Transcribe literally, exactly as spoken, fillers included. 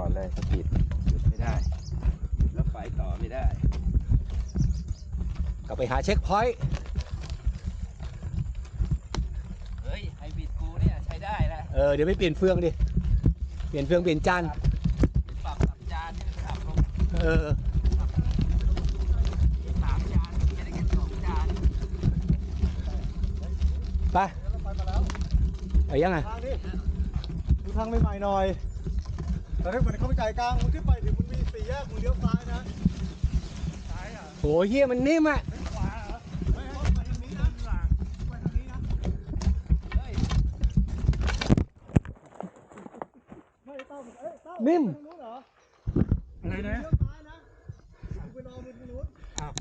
เลยสปีดหยุดไม่ได้แล้วไปต่อไม่ได้ก็ไปหาเช็คพอยต์เฮ้ยไฮบริดกูเนี่ยใช้ได้แล้วเออเดี๋ยวไปเปลี่ยนเฟืองดิเปลี่ยนเฟืองเปลี่ยนจานปรับสับจานนี่ปรับลงเออสามจานจะได้แค่สองจานไปไปมาแล้วไปยังไงทางนี้ดูทางใหม่ๆหน่อยแต่ถ้าเหมือนเข้าไปใจกลางมึงขึ้นไปถึงมันมีสี่แยกมึงเลี้ยวซ้ายนะซ้ายอ่ะโหเฮียมันนิ่มอ่ะขวาเหรอไม่ให้ไปทางนี้นะไปทางนี้นะเฮ้ยไม่ตั้มเอ้ยตั้มนิ่มทางนู้นเหรออะไรนะเลี้ยวซ้